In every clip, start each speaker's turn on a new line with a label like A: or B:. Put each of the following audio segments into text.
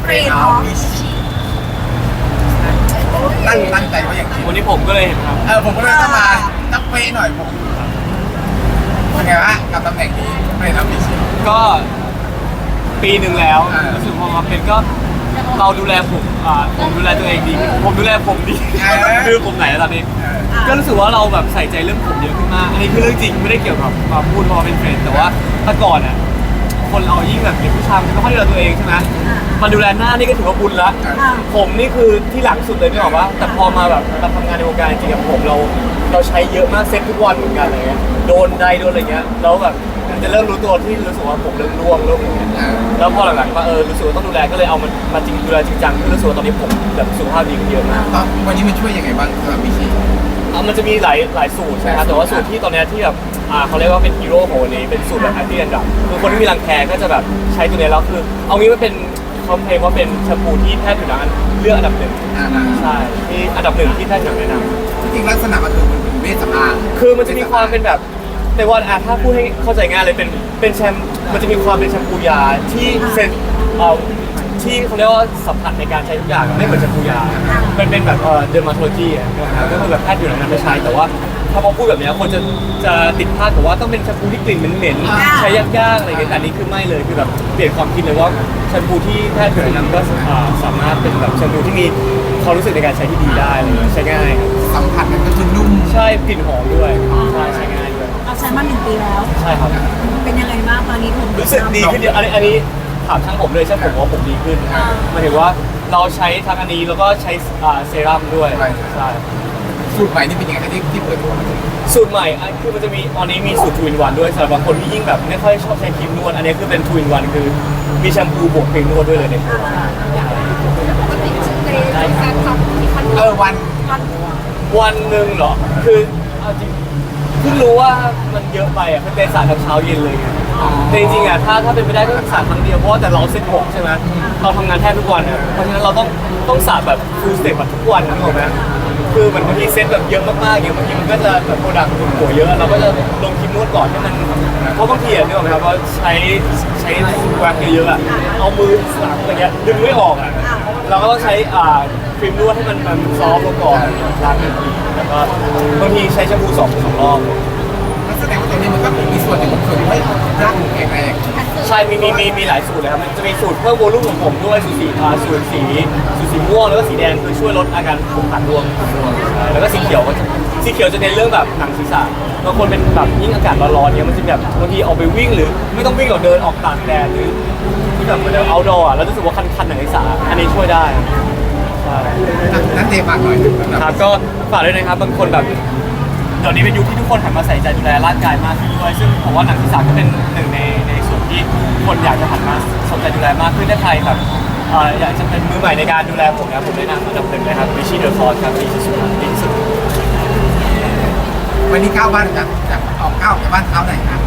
A: เฟรนด์ออฟตั้งใจไว้อย่างนี้
B: วันนี้ผมก็เลยเห็นครับ
A: ผมก็เลยต้องมาตั้งเป๊ะหน่อยผมเป็นไงวะกับตำแหน่งนี้เฟรนด์ออฟฟิเชียล
B: ก็ปีหนึ่งแล้ว รู้สึกพอมาเป็นก็เราดูแลผมดูแลตัวเองดีผมดูแลผมดีคือผมไหนระดับนี้ก็รู้สึกว่าเราแบบใส่ใจเรื่องผมเยอะขึ้นมากอันนี้คือเรื่องจริงไม่ได้เกี่ยวกับมาพูดเพราะเป็นเฟรนด์แต่ว่าแต่ก่อนอ่ะคนเรายิ่งแบบเด็กผู้ชายมันไม่ค่อยดูแลตัวเองใช่ไหมมาดูแลหน้านี่ก็ถือว่าบุญละผมนี่คือที่หลังสุดเลยไม่บอกว่าแต่พอมาแบบเราทำงานในวงการจริงๆผมเราใช้เยอะมากเซ็ตทุกวันเหมือนกันอะไรเงี้ยโดนใดโดนอะไรเงี้ยแล้วแบบมันจะเริ่มรู้ตัวที่รู้สึกว่าผมเริ่มร่วงเริ่มอะไรเงี้ยแล้วพอหลังๆว่ารู้สึกว่าต้องดูแลก็เลยเอามันมาจริงดูแลจริงจังคือรู้สึกว่าตอนนี้ผมแบบสุขภาพดีขึ้นเยอะมาก
A: วันนี้มันช่วยยังไงบ้างสำหรับพี่ชี
B: มันจะมีหลายสูตรใช่ไหมครับแต่ว่าสูตรที่ตอนนี้ที่แบบเขาเรียกว่าเป็นฮีโร่ของวันนี้เป็นสูตรแบบแอนตี้แดนดรัฟคือคนที่มีรังแคก็จะแบบใช้ตัวนี้แล้วคือเอางี้มันเป็นเขาเพลงว่าเป็นแชมพูที่แพทย์ผิวหนังเลือกอันดับหนึ่งใช่ที่อันดับหนึ่งที่แพทย์ผิวหนังแนะนำ
A: จริงๆลักษณะมันคือมันเป็นเวชสำอาง
B: คือมันจะมีความเป็นแบบในว่าถ้าพูดให้เข้าใจง่ายเลยเป็นแชมมันจะมีความเป็นแชมพูยาที่เซนที่เขาเรียกว่าสัมผัสในการใช้ทุกอย่างไม่เหมือนแชมพูยามันเป็นแบบเดอร์มาโทโลจีนะครับก็คือแบบแพทย์ผิวหนังนั้นไม่ใช้แต่ว่าถ้าพอพูดแบบนี้คนจะติดภาพกับว่าต้องเป็นแชมพูที่กลิ่นเหม็นๆใช้ยากๆอะไรอย่างเงี้ยแต่อันนี้คือไม่เลยคือแบบเปลี่ยนความคิดเลยว่าแชมพูที่แพทย์ผิวหนังก็สามารถเป็นแบบแชมพูที่มีความรู้สึกในการใช้ที่ดีได้เลยใช้ง่ายครับ
A: สัมผัสมันก็คือนุ่ม
B: ใช่กลิ่นหอมด้วยใช้ง่ายด้วย
C: เราใช้มา1 ปีแล้ว
B: ใช่ครับ
C: เป็นยังไงบ้างตอนนี้ผม
B: รู้สึกดีขึ้นเยอะอันนี้ถามช่างผมเลยช่างผมว่าผมดีขึ้นหมายถึงว่าเราใช้ทั้งอันนี้แล้วก็ใช้เซรั่มด้วยใช่
A: สูตรใหม่นี่เป็นยังไงครับที่เปิดตัวมา
B: สูตรใหม่คือมันจะมีตอนนี้มีสูตรทูอินวันด้วยสำหรับบางคนที่ยิ่งแบบไม่ค่อยชอบใช้ครีมนวดอันนี้คือเป็นทูอินวันคือมีแชมพูบวกครีมนวดด้วยเลยในตัว วันหนึ่งเหรอคือเอาจริงเพิ่งรู้ว่ามันเยอะไปคือเป็นสระทั้งเช้าเย็นเลยไงแต่จริงๆถ้าเป็นไปได้ก็สระครั้งเดียวเพราะว่าแต่เราเซ็ตผมใช่ไหมเราทำงานแทบทุกวันเพราะฉะนั้นเราต้องสระแบบฟูลสเต็ปแบบทุกวันนึกออกไหมคือเหมือนบางทีเซ็ตแบบเยอะมากๆอย่างบางทีมันก็จะแบบโปรดักต์หัวเยอะเราก็จะลงครีมนวดก่อนให้มันเพราะบางทีนึกออกไหมครับว่าใช้แว็กเยอะๆเอามือสลับอะไรเงี้ยดึงไม่ออกเราก็ต้องใช้ครีมนวดให้มันซอฟต์ลงก่อนล้างทีแล้วก็บางทีใช้แชมพูสองรอบ
A: แสดงว่าตัวนี้มันก็มีส่วนหนึ่งของส่วนที่ให้ร่างแข็งแรง
B: ใช่มีหลายสูตรเลยครับมันจะมีสูตรเพิ่มโวลุ่มของผมด้วยสูตรสีม่วงแล้วก็สีแดงคือช่วยลดอาการผมขัดร่วงใช่แล้วก็สีเขียวจะเน้นเรื่องแบบหนังศีรษะบางคนเป็นแบบยิ่งอากาศร้อนๆเนี่ยมันจะแบบบางทีออกไปวิ่งหรือไม่ต้องวิ่งหรอกเดินออกตากแดดหรือที่แบบเหมือนเดินเอาท์ดอร์แล้วรู้สึกว่าคันหนังศีรษะอันนี้ช่วยได้ใช่
A: นั่นเตะปากหน่อย
B: ครับก็ฝากด้วยนะครับบางคนแบบเดี๋ยวนี้เป็นยุคที่ทุกคนหันมาใส่ใจดูแลร่างกายมากขึ้นด้วยซึ่งผมว่าหนังศีรษะก็เป็นหนึ่งในส่วนที่คนอยากจะหันมาสนใจดูแลมากขึ้นถ้าใครแบบอยากจะเป็นมือใหม่ในการดูแลผมนะผมแนะนำอันดับหนึ่งนะครับวิชีเดอร์คอร์สครับดีที่สุดดีที่สุด
A: วันนี้ก้าวบ้านจากออกก้าวจากบ้านเท้าไหนครับ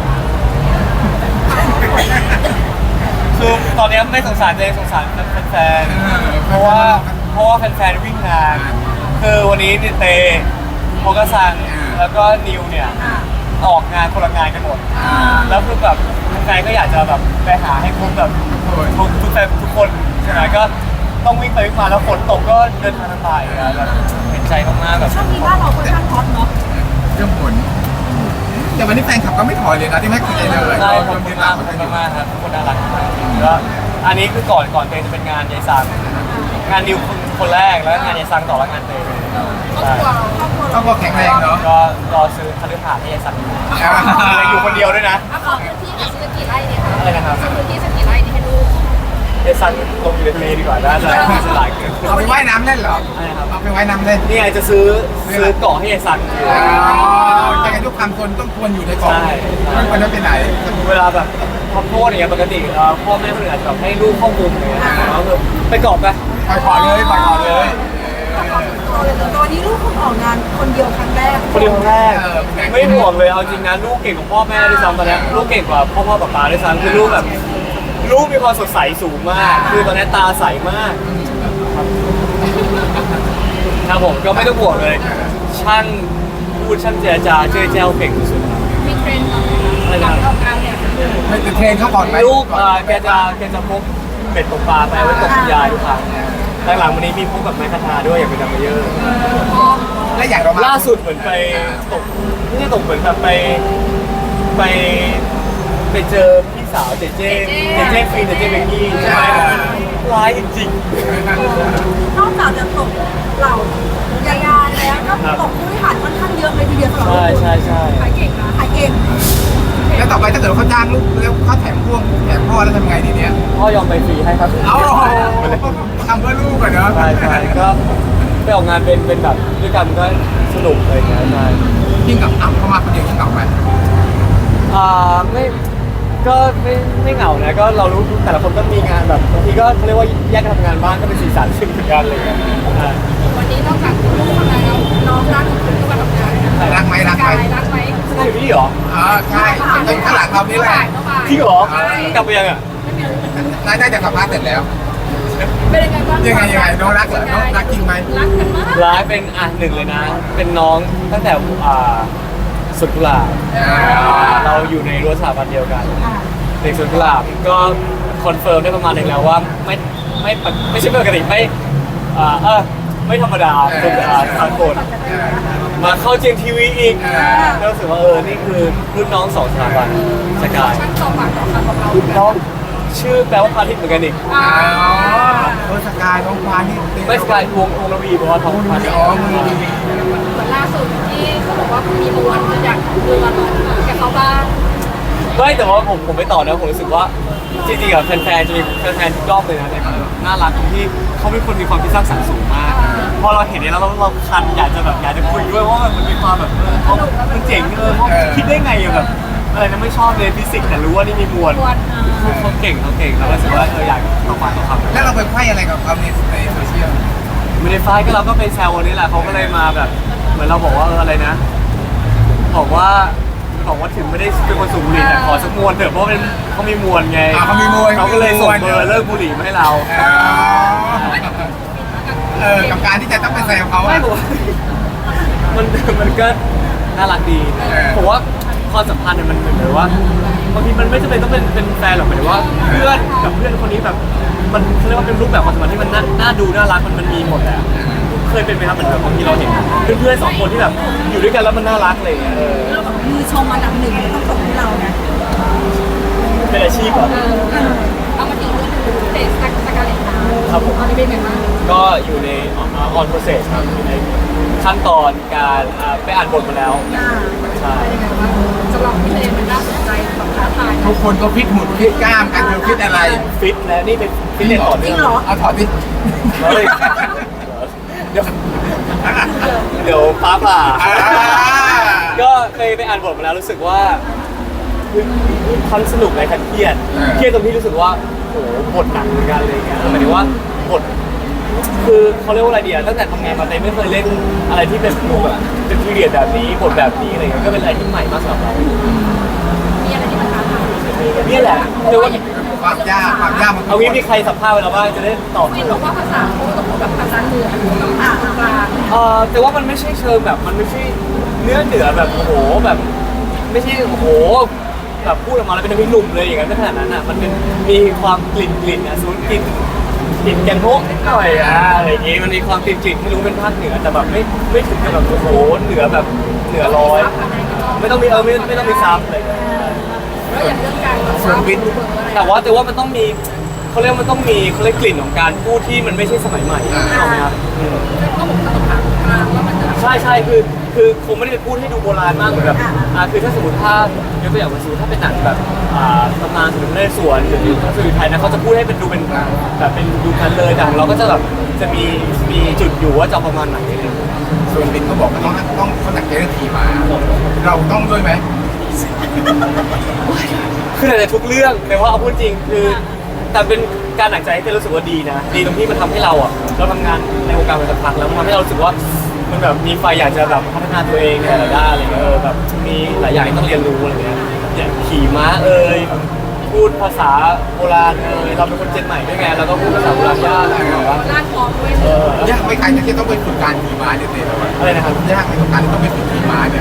B: คือตอนนี้ไม่สงสารตัวเองสงสารแฟนๆเพราะว่าแฟนๆวิ่งงานคือวันนี้เตโมกซังแล้วก็นิวเนี่ยออกงานคนละงานกันหมดแล้วคือแบบแฟนก็อยากจะแบบไปหาให้ครบแบบทุกแฟนทุกคนใช่ไหมก็ต้องวิ่งไปวิ่งมาแล้วฝนตกก็เดินทางลำบากแบบเห็นใจมากๆแบบ
C: ช่วงนี้บ้านเราค่อนข้างฮอตเนาะ
A: เรื่องผลแต่วันนี้แฟนคลับก็ไม่ถอยเลยนะที่ไม่คุยเลย
B: ใช่ขอบคุณมากครับทุกคนน่ารักแล้วอันนี้คือก่อนเตจะเป็นงานยายซังงานนิวคนแรกแล้วงานยายซังต่อแล้วงานเตใช่
A: ครอบครัวแข็งแรงเนาะ
B: ก็รอซื้อคฤหาสน์ให้ยายซังอยู่คนเดียวด้วยนะ
D: ขอพื้นที่กับซื้อกี่ไร่เนี่ยคะ
B: อะไรนะครับ
D: ซื้อพื้นที่สักกี่ไร่นี่ให้ลูก
B: ยายซังลงอยู่ในทะเลดีกว่าน่าจะหลายเกิน
A: เอาไปว่ายน้ำเล่นเหรอเอาไปว่ายน้ำเล่น
B: นี่ไงจะซื้อเกาะให้ยายซัง
A: ยังไงทุกคำคนต้องควรอยู่ในกล่อง
B: ใช่
A: ไม่ควรจะไปไหน
B: เวลาแบบทำโทษอย่างเงี้ยปกติพ่อแม่คนอื่นอาจจะแบบให้ลูกเข้ามุมอย่างเงี้ยแล้วคือไปเกาะไป
A: ปล่อยขอเลยปล่อยขอเลย
C: ตอนนี้ลูกคุณออกงานคนเดียวครั้งแรก
B: คนเดียวคนแรกไม่ห่วงเลยเอาจริงนะลูกเก่งกว่าพ่อแม่ด้วยซ้ำตอนนี้ลูกเก่งกว่าพ่อป๊าด้วยซ้ำคือลูกแบบลูกมีความสดใสสูงมาก คือตอนนี้ตาใสมากครับผมก็ไม่ต้องห่วงเลยช่างพูดช่างเจรจาเจ้ยแจ้วเก่งที่สุด
D: มีเทรนด์
B: อะไรนะ
D: ออกงานเนี่ย
A: ไม่ติดเทรนเขาก่อนไหม
B: ลูกแกจะพกเบบ็ดตกปลาไปไว้ตกยายทุกครั้งหลังๆวันนี้มีพวกแบบไม้คาทาด้วยอยากเป็นดัมเบลเยอร์
A: และอย่างเรามา
B: ล่าสุดเหมือนไปตกไม่ใช่ตกเหมือนแบบไปไปเจอพี่สาวเจเจฟีนเจเจเบกกี้ใช่ไหมร้ายจริง
C: นอกจากจะตกเหล่ายายาแล้วก็ตกผู้บริหารค่อนข้างเยอะเลยทีเดียวสำหรับ
B: ใช่ใช่ใช่
C: ขายเก่งนะขายเก่ง
A: แล้วต่อไปถ้าเกิดเขาจ้างลูกแล้วเขาแถมพ่วงแถมพ่อแล้วทำไงดีเนี่ย
B: พ่อยอมไปฟรีให้ครับ
A: เอาทำเพื่อลูกก่อนเนาะ
B: ใช่ใช่ก็ไปออกงานเป็นแบบด้วยกันก็สนุกเลยนะใช่
A: ยิ่งกับอ้ำเข้ามาคนเดียวยิ่งเหงาไหม
B: ไม่ก็ไม่เหงานะก็เรารู้แต่ละคนก็มีงานแบบบางทีก็เขาเรียกว่าแยกกันทำงานบ้างก็เป็นสีสันซึ่งเหมือนกันอะไรอย่างเงี้ย
D: วันนี้นอกจากลูกทำงานแล้วน้องรักคุณก็มาทำงานนะ
A: รักไหมรักไหม
D: กายรักไหม
B: ใช่อยู่นี่เหรอ
A: ใช่เป็นข้างหลังเรานี่แหละ
B: จริงเหรอกลับไปยังอ่ะ
A: นายได้จากสัมภาษณ์เสร็จแล้ว
D: เป็นยังไงบ้าง
A: ยังไงน้องรักเหรอน้องรักจริงไหม
D: รักกันมาก
B: ร้ายเป็นหนึ่งเลยนะ เป็นน้องตั้งแต่สุดกุหลาบเราอยู่ในรั้วสถาบันเดียวกันเด็กสุดกุหลาบก็คอนเฟิร์มได้ประมาณหนึ่งแล้วว่าไม่ใช่ปกติไม่ธรรมดาเป็นสากลมาเข้าเจมทีวีอีกก็รู้สึกว่านี่คือรุ่นน้องสองสถาบันสกาย
D: ช่างต่อปากต่อคำของเรา
B: น้องชื่อแปลว่าพาทิตย์เหมือนกันอีก
A: สกายน้องควานนี่
B: ไม่สกายวงระวีเพราะว่าทองพาทิตย์
D: เหมือนล่าสุดที่เขาบอกว่ามีมวลอยากดูมาลองกับเขาบ้าง
B: ไม่แต่ว่าผมไม่ต่อนะผมรู้สึกว่าจริงๆอะแฟนๆจะมีแฟนๆทุกรอบเลยนะเนี่ยน่ารักตรงที่เขาเป็นคนมีความคิดสร้างสรรค์สูงมาก พอเราเห็นเนี่ยแล้วเราคันอยากจะคุยด้วยว่ามันมีความแบบเขามันเจ๋งเขาคิดได้ไงอะแบบอะไรนะไม่ชอบเลยฟิสิกส์แต่รู้ว่านี่มีมวลเขาเก่งแล้วรู้สึกว่าอยากต่อปากต่อคำ
A: แล้วเราไปไขว้อะไรกับเขาในโซเชียล
B: ไม่ได้ไฟก็เราก็ไปแซววันนี้แหละเขาก็เลยมาแบบเหมือนเราบอกว่าอะไรนะบอกว่าถึงไม่ได้เป็นคนสูบบุหรี่แต่ขอสักมวนเถอะเพราะเป็นเขามีมวลไง
A: เขามีมวล
B: เขาก็เลยส่งเบอร์เลิกบุหรี่มาให้เรา
A: กับการที่จะต้องไปแซวเขา
B: ไม่บอกว่ามันก็น่ารักดีผมว่าความสัมพันธ์เนี่ยมันเหมือนว่าบางทีมันไม่จำเป็นต้องเป็นแฟนหรอกหมายถึงว่าเพื่อนกับเพื่อนคนนี้แบบมันเขาเรียกว่าเป็นรูปแบบความสัมพันธ์ที่มันน่าดูน่ารักมันมีหมดแหละเคยเป็นไหมครับเหมือนแบบบางทีเราเห็นเพื่อนๆสองคนที่แบบอยู่ด้วยกันแล้วมันน่ารักอะไรอย่างเงี้ย
C: แล้วแบบมือชมอันดับหนึ่งต้องตกที่เรานะ
B: เป็นอาชีพเหรอ
D: เอามาถึงเรื่องเทสสกาเลตนา
B: ครับผม
D: ตอนนี้เป็นไงบ้าง
B: ก็อยู่ใน on process ครับอยู่ในขั้นตอนการไปอ่านบทมาแล้วใช่
D: เป็นยังไงบ้างสำหรับพี่เลนมันน่าสนใจแบบท้าทาย
A: ทุกคนก็ฟิตหุ่นฟิตกล้ามกันเธอฟิตอะไร
B: ฟิตแล้วนี่เป็นฟิตเนสต่อ
C: จริ
B: เนื่อง ง
C: เหรอ
A: เอาถอดดิ
B: เฮ้ยเดี๋ยวฟ้าผ่าก็เคยไปอ่านบทมาแล้วรู้สึกว่าทั้งสนุกและทั้งเครียดตรงที่รู้สึกว่าโหบทหนักเหมือนกันเลยอย่างเงี้ยหมายถึงว่าบทคือเขาเรียกว่าอะไรดีอะตั้งแต่ทำงานมาเต้ไม่เคยเล่นอะไรที่เป็นแบบเป็นพีเรียดแบบนี้บทแบบนี้อะไรเงี้ยก็เป็นอะไรที่ใหม่มากสำหรับเรา
D: มีอะไรที่มันท้าทาย
B: นี่แหละเรียกว่า
A: ความยากมัน
B: เอางี้มีใครสัมภาษณ์ไปแล้วบ้างจะได้ตอบ
D: พี่บอกว่าภาษาเขาต้องพูดแบบภาษาเหนือต้องอ่านกลาง
B: แต่ว่ามันไม่ใช่เชิงแบบมันไม่ใช่เนื้อเหนือแบบโอ้โหแบบไม่ใช่โอ้โหแบบพูดออกมาแล้วเป็นน้ำพริกหนุ่มเลยอย่างนั้นไม่ขนาดนั้นอ่ะมันเป็นมีความกลิ่นอ่ะสมมติกลิ่นแกงโฮกนิดหน่อยอะไรอย่างงี้มันมีความกลิ่นไม่รู้เป็นภาคเหนือแต่แบบไม่ถึงกับแบบโอ้โหเหนือแบบเหนือร้อยไม่ต้องมีไม่ต้องมีซับอะไรอย่างเงี้ย
D: แล้วอย่างเรื่องการ
A: ส่วนวิทย์
B: แต่ว่ามันต้องมีเขาเรียกมันต้องมีเขาเรียกกลิ่นของการพูดที่มันไม่ใช่สมัยใหม่ถูกไหมครับ
D: ก็ผมต้องถามกลางว่ามันจะ
B: ใช่คือคงไม่ได้ไปพูดให้ดูโบราณมากเหมือนแบบคือถ้าสมมติถ้ายกตัวอย่างมาสมมติถ้าเป็นหนังแบบตำนานสมมติในสวนหรือพระสุริไทยนะเขาจะพูดให้เป็นดูเป็นแบบเป็นดูกันเลยแต่ของเราก็จะแบบจะมีจุดอยู่ว่าจะประมาณไหนอะไรอย่างเงี้ย
A: ส่วนวิทย์ก็บอกว่าต้องเขาหนักเจนทีมาเราต้องด้วยไหม
B: คือในทุกเรื่องแต่ว่าเอาพูดจริงคือแต่เป็นการหนักใจที่รู้สึกว่าดีนะดีตรงที่มันทำให้เราเราทำงานในวงการมาสักพักแล้วมันทำให้เรารู้สึกว่ามันแบบมีไฟอยากจะแบบพัฒนาตัวเองในหลายด้านอะไรเงี้ยแบบมีหลายอย่างที่ต้องเรียนรู้อะไรเงี้ยอย่างขี่ม้าพูดภาษาโบราณเราเป็นคนเจนใหม่ด้วยไงเราก็พูดภาษาโบราณยากอะไรแบบว่า
D: ลากคอด้วย
A: ยากไหมใครที่ต้องไปฝึกการขี่ม้าเนี่ยเต้เรา
B: อะไรนะครับ
A: ยากไหมกับการที่ต้องไปฝึกขี่ม้าเนี่ย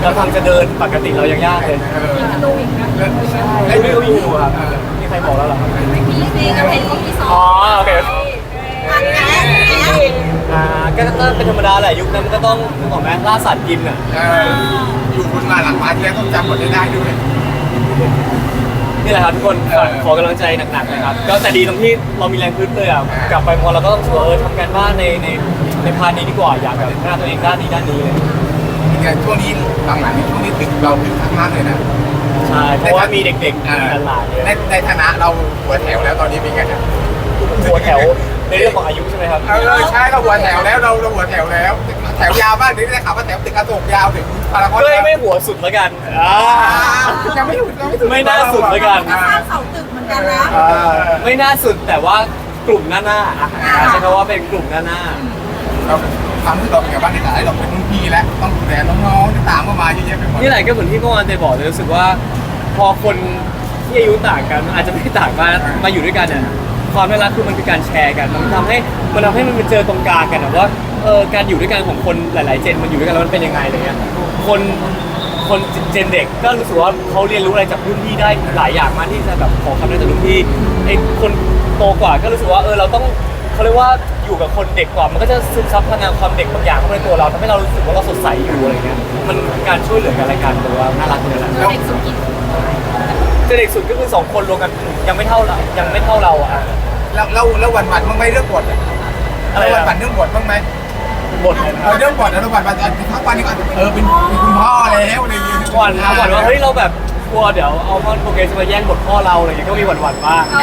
B: เราทำจะเดินปกติเรายังยากเลย
D: ดูอีกนะ
B: ไม่รู้อยู่ครับมีใครบอกแล้วเหรอครับ
D: ไม่มีสิจะเห็นเขามีซ้อ
B: อ๋อ
D: ม
B: โอเค
C: อันนี้
B: ก็เป็นธรรมดาแหละยุคนั้นมันก็ต้องนึกออกไหมล่าสัตว์กินอ่ะ
A: อยู่บนมาหลังมาที่แล้วต้องจำบทได้ด้วย
B: นี่แหละครับทุกคนขอกำลังใจหนักๆนะครับก็แต่ดีตรงที่เรามีแรงพึ่งเลยอ่ะกลับไปพอเราก็ต้องชัวร์ทำการบ้านในพาร์ทนี้ดีกว่าอยากแบบพัฒนาตัวเองด้านนี้เลย
A: เนี่ยช่วงนี้หลังๆนี่ช่วงนี้ตึกเราตึกมากเลยนะ
B: ใช่เพราะว่ามีเด็กๆมีหลานๆเยอะ
A: ในฐานะเราหัวแถวแล้วตอนนี้เป็นไง
B: หัวแถวในเรื่องของอายุใช่ไหมครับ
A: ใช่เราหัวแถวแล้วเราหัวแถวแล้วแถวยาวมากนี่ได้ข่าวว่าแถวตึกอโศกยาวถึงพารากอน
B: ก็ไม่หัวสุดแล้วกัน
A: ยังไม่ถึง
B: ไม่น่าสุดแล้วกัน
C: ก็สร้างเสาตึกเหมือนกันนะ
B: ไม่น่าสุดแต่ว่ากลุ่มหน้าใช้คำว่าเป็นกลุ่มหน้า
A: เราทำให้เราเป็นบ้านในฐานะเราเป็นรุ่นพี่แล้วต้องดูแลน้องๆที่ตามเข้ามาเยอะแยะไปหมด
B: นี่แหละก็เหมือนที่เมื่อวานเจบอกเลยรู้สึกว่าพอคนที่อายุต่างกันอาจจะไม่ต่างมาอยู่ด้วยกันเนี่ยความน่ารักคือมันคือการแชร์กันมันทำให้มันไปเจอตรงกลางกันว่าการอยู่ด้วยกันของคนหลายๆเจนมันอยู่ด้วยกันแล้วมันเป็นยังไงอะไรเงี้ยคนเจนเด็กก็รู้สึกว่าเขาเรียนรู้อะไรจากรุ่นพี่ได้หลายอย่างมากที่จะแบบขอคำแนะนำจากรุ่นพี่ไอ้คนโตกว่าก็รู้สึกว่าเราต้องเขาเรียกว่าอยู่กับคนเด็กกว่ามันก็จะซึมซับพลังงานความเด็กบางอย่างเข้าไปในตัวเราทำให้เรารู้สึกว่าเราสดใสอยู่อะไรเงี้ยมันการช่วยเหลือกันและกันหรือว่าน่ารักเลยแหละ
D: เด็กสุกิน
B: เด็กสุดก็คือ2คนรวมกันยังไม่เท่าเราอ่ะ
A: แล้ววันบ้างไหมเรื่องบท
B: อะไรนะ
A: วันเรื่องบทบ้างไหม
B: บทเลยนะ
A: เรื่องบทแล้ววันทั้งวันนี้ก็เป็นคุณพ่อแล้วอะไรอย่างเงี้ย
B: หวั่นว่าเฮ้ยเราแบบกลัวเดี๋ยวเอามอนโปรเกรสมาแย่งบทพ่อเราอะไรอย่างเงี้ยก็มีหวั่นบ้าง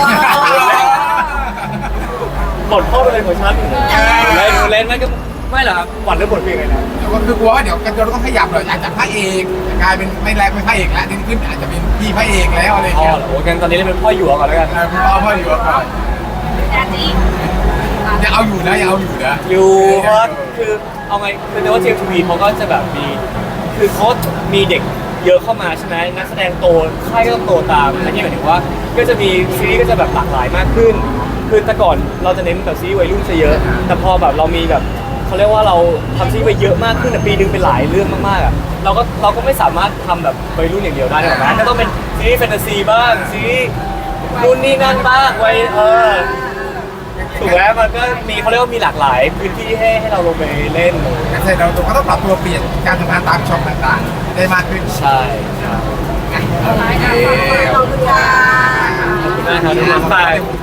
B: บทพ่อเป็นของฉันเล่นไม่หรอกครับหวั่นเรื่องบทเพลงเลยนะ
A: ก็คือกลัวว่าเดี๋ยวกันเราต้องขยับหน่อยอาจจะพระเอกกลายเป็นไม่แรงเป็นพระเอกแล้วขึ้นอาจจะเป็นพี่พระเอกแล้วอะไรอย่าง
B: พ่อ
A: เงี้ย
B: เหรอโอ้กันตอนนี้เล่นเป็นพ่อหยวกก่อนแล้วกัน
A: คุณพ่ออยู่ก่อน
D: แดนนี่
A: ยังเอาอยู่นะยังเอาอยู่นะ
B: อยู่เพราะว่าคือเอาไงคือว่าเจมส์ทีวีเขาก็จะแบบมีคือเขามีเด็กเยอะเข้ามาใช่ไหมนักแสดงโตค่ายก็ต้องโตตามอันนี้หมายถึงว่าก็จะมีซีรีส์ก็จะแบบหลากหลายมากขึ้น คือแต่ก่อนเราจะเน้นแบบซีรีส์วัยรุ่นซะเยอะ แต่พอแบบเรามีแบบเขาเรียกว่าเราทำซีรีส์ไปเยอะมากขึ้นปีนึงเป็นหลายเรื่องมากๆอ่ะเราก็ไม่สามารถทำแบบวัยรุ่นอย่างเดียวได้หรอกนะก็ต้องเป็นซีรีส์แฟนตาซีบ้างซีรีส์นู่นนี่นั่นบ้างไว้ถูกแล้วมันก็มีเขาเรียกว่ามีหลากหลายพื้นที่ให้เราลงไปเล่น
A: การแสดงเราก็ต้องปรับตัวเปลี่ยนการทำงานตามช่องต่างๆได้มากขึ้น
B: ใช่
A: โอเค
C: ขอบคุณค่ะ
B: ขอบคุณมากครับทุกคนไป